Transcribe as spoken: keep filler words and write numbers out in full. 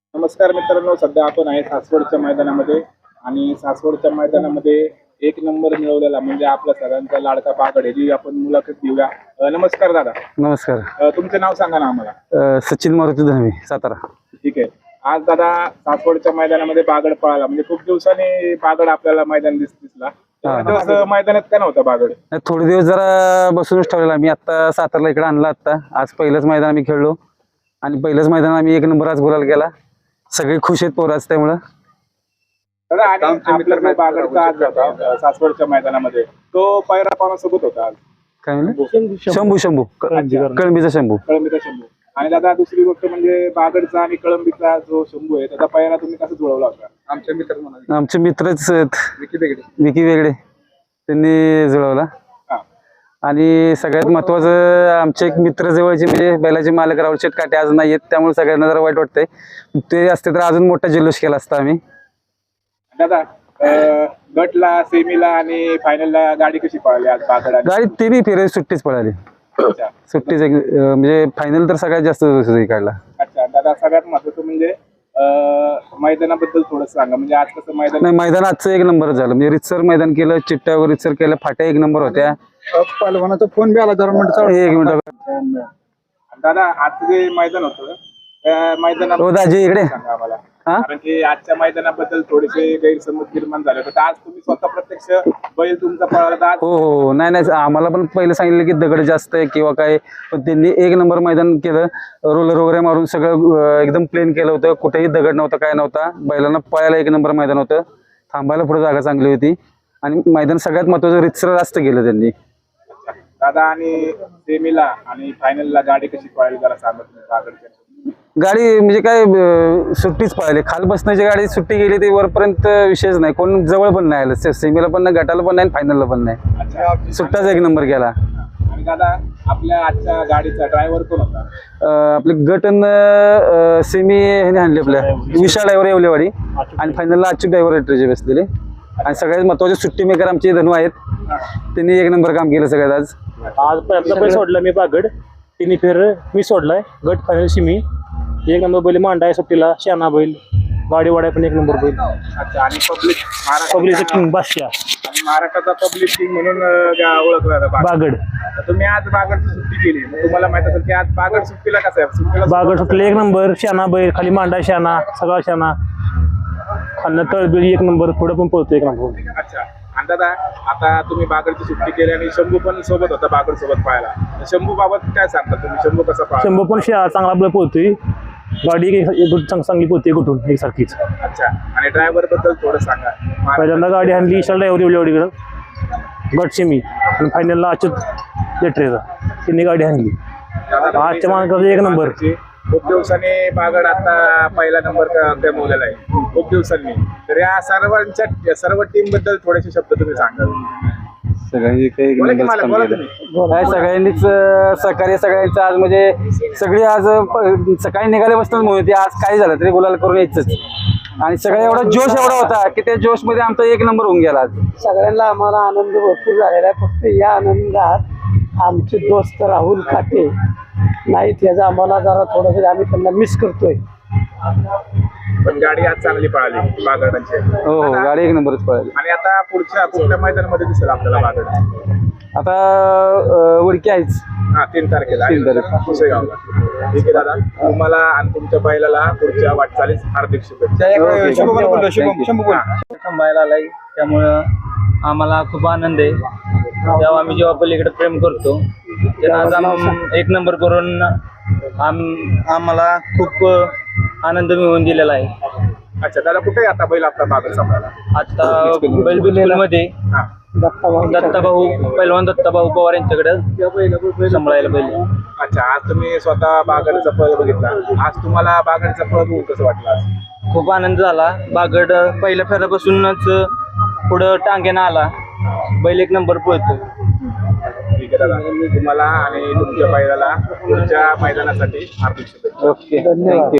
नमस्कार मित्रांनो, सध्या आपण आहे सासवडच्या मैदानामध्ये आणि सासवडच्या मैदानामध्ये एक नंबर मिळवलेला म्हणजे आपला सगळ्यांचा लाडका बागड आहे, जी आपण मुलाखत घेऊया. अ, नमस्कार दादा. नमस्कार. अ, तुमचं नाव सांगा ना आम्हाला. अ, सचिन मारुती धनवे, सातारा. ठीक आहे. आज दादा सासवडच्या मैदानामध्ये बागड पळाला, म्हणजे खूप दिवसांनी बागड आपल्याला मैदान दिस दिसला. हा. दिवस मैदानात का नव्हता बागड? नाही, थोडे दिवस जरा बसूनच ठेवलेला. मी आता सातारला इकडे आणला. आता आज पहिलंच मैदान आम्ही खेळलो आणि पहिलंच मैदान आम्ही एक नंबर आज गुलाल केला. सगळे खुश आहेत पोराच. त्यामुळं दादा, आणि आपल्याकडे बागडचा आज होता अ, सासवडच्या मैदानामध्ये, तो पायरा पानासोबत होता आज. काय म्हणलं? शंभू शंभू कळंबीचा शंभू. कळंबीचा शंभू. आणि दादा दुसरी गोष्ट म्हणजे बागडचा आणि कळंबीचा जो शंभू आहे त्याचा पायरा तुम्ही कसं जुळवला होता? आमच्या मित्र म्हणा आमचे मित्रच आहेत, विकी वेगळे. विकी वेगळे, त्यांनी जुळवला. हा. आणि सगळ्यात महत्वाचं, आमचे एक मित्र जवळचे म्हणजे बैलाचे मालक राहुल शेटकाटे आज नाही आहेत. त्यामुळे सगळ्यांना जरा वाईट वाटतंय. ते असते तर अजून मोठा जल्लोष केला असता आम्ही. दादा, अ, गटला, सेमीला आणि फायनलला गाडी कशी पळाली आज बागड? गाडी तिन्ही फेरे सुट्टीच पळाली. अच्छा सुट्टीच एक अं, म्हणजे फायनल तर सगळ्यात जास्त सुट्टी काढला. अच्छा दादा, सगळ्यात महत्वाचं म्हणजे अ, मैदानाबद्दल थोडं सांगा. म्हणजे आज कसं मैदान? नाही, मैदान आजचं एक नंबर झालं. म्हणजे रितसर मैदान केलं, चिट्ट्यावर रितसर केलं, फाट्या एक नंबर होत्या. पहलवानाचा फोन बी आला जरा म्हणतो. एक मिनिट. दादा, आजचं जे मैदान होतं त्या मैदानात हो दाजी, इकडे. सांगा आम्हाला. हा? कारण की आजच्या मैदानाबद्दल थोडेसे गैरसमज निर्माण झाले होते. तर आज तुम्ही स्वतः प्रत्यक्ष बैल तुमचा पळाला, तर आज हो हो. नाही नाही, आम्हाला पण पहिले सांगितलं की दगड जास्त आहे किंवा काय, पण त्यांनी एक नंबर मैदान केलं. रोलर वगैरे मारून सगळं अं, एकदम प्लेन केलं होतं. कुठेही दगड नव्हता, काय नव्हता. बैलांना पळायला एक नंबर मैदान होतं. थांबायला पुढे जागा चांगली होती आणि मैदान सगळ्यात महत्वाचं रितसर जास्त केलं त्यांनी. दादा, आणि सेमीला आणि फायनलला गाडी कशी पळाली जरा सांगत नाही बागडच्या? गाडी म्हणजे काय, अं, सुट्टीच पळाली. खाल बसण्याची गाडी सुट्टी गेली ती वरपर्यंत विषयच नाही. कोण जवळ पण नाही आलं. सेमीला पण नाही, गटाला पण नाही, फायनलला पण नाही. अच्छा. सुट्टाच एक नंबर केला. आणि दादा, आपल्या आजच्या गाडीचा ड्रायव्हर कोण होता? अं, आपले गटन सेमी ह्याने आणले आपल्या विशाल ड्रायव्हर येवलेवाडी आणि फायनलला अच्युत ड्रायव्हर ट्रेजे बसलेले. आणि सगळ्यात महत्वाचे सुट्टी मेकर आमचे धनू आहेत. त्यांनी एक नंबर काम केलं सगळ्यात आज. आज पहिला बैल सोडला मी बागड, तिन्ही फेर मी सोडलाय. गट फायनल मी एक नंबर बैल मांडाय सुट्टीला, शाना बैल, गाडी वाड्या पण एक नंबर बैल. अच्छा. आणि पब्लिक पब्लिकचा किंग बादशाह आणि महाराष्ट्राचा पब्लिक किंग म्हणून अं, ज्या ओळखला जातं बागड. बागड. तर तुम्ही आज बागडची सुट्टी केली, मग तुम्हाला माहित असेल की आज बागड सुट्टीला कसं आहे? सुट्टीला बागड सुटले एक नंबर, शाना बैल, खाली मांडा शाना, सगळा शाना, खालनं तळबीळ एक नंबर, पुढे पण पळतो एक नंबर. अच्छा. आणि दादा, आता तुम्ही बागडची सुट्टी केली आणि शंभू पण सोबत होता बागड सोबत पाहायला. शंभू बाबत काय सांगता तुम्ही? शंभू कसा पाहिला? शंभर पण शा चांगला बैल पळतोय. गाडी एक एक चांग- चांगली पळते कुठून एकसारखीच. अच्छा. आणि ड्रायव्हर बद्दल थोडं सांगा. पहिल्यांदा गाडी आणली विशाल ड्रायव्हर एवढीकडं गट सेमी आणि फायनलला अच्युत लेटरेचा, त्यांनी गाडी आणली. आजच्या मार्गावर एक नंबर. खूप दिवसांनी बागड आता पहिला नंबर कमवलेला आहे, खूप दिवसांनी. तर या सर्वांच्या सर्व टीम बद्दल थोडेसे शब्द तुम्ही सांगा. सगळ्यांनी काही बोला की मला, बोला तुम्ही. काय सगळ्यांनीच अं, सहकार्य सगळ्यांचं आज म्हणजे सगळी आज अं, प- सकाळी निघाल्यापासून म्हणून होती. आज काय झालं तरी गुलाल करून यायचंच. आणि सगळ्या एवढा जोश एवढा होता की त्या जोश मध्ये आमचा एक नंबर होऊन गेला आज. सगळ्यांना आम्हाला आनंद भरपूर झालेला आहे. फक्त या आनंदात आमचे दोस्त राहुल खाटे नाहीत, याचा आम्हाला जरा थोडंसं आम्ही त्यांना मिस करतोय. पण गाडी आज चांगली पळाली बागडांची. हो हो, गाडी एक नंबरच पळाली. आणि आता पुढच्या कुठल्या मैदानामध्ये दिसेल आपल्याला बागड? आता अं, उडकी आहेच. हा, तीन तारखेला तीन तारखेला. पुसेगावला. ठीक आहे दादा, तुम्हाला आणि तुमच्या बैलाला पुढच्या वाटचालीस हार्दिक शुभेच्छा. ओके, शंभू, हा. थांबायला आलाय, त्यामुळं आम्हाला खूप आनंद आहे. तेव्हा आम्ही जेव्हा पलीकडे प्रेम करतो तेव्हा आज आम एक नंबर करून आम आम्हाला खूप आनंद मिळवून दिलेला आहे. अच्छा दादा, कुठे आहे आता बैल आपला बागड सांभाळायला? आता बैलबिल मध्ये हा. दत्ताभाऊ पैलवान दत्ताभाऊ पवार यांच्याकडे सांभाळायला बैल. अच्छा. आज तुम्ही स्वतः बागडचा पळ बघितला. आज तुम्हाला बागडचा पळ बघून कसं वाटलं आज? खूप आनंद झाला. बागड पहिल्या फेऱ्यापासूनच पुढं टांग्यानं आला. बैल एक नंबर पळतो. ठीक आहे दादा, तुम्हाला आणि तुमच्या बैलाला पुढच्या मैदानासाठी हार्दिक शुभेच्छा. Okay, thank you.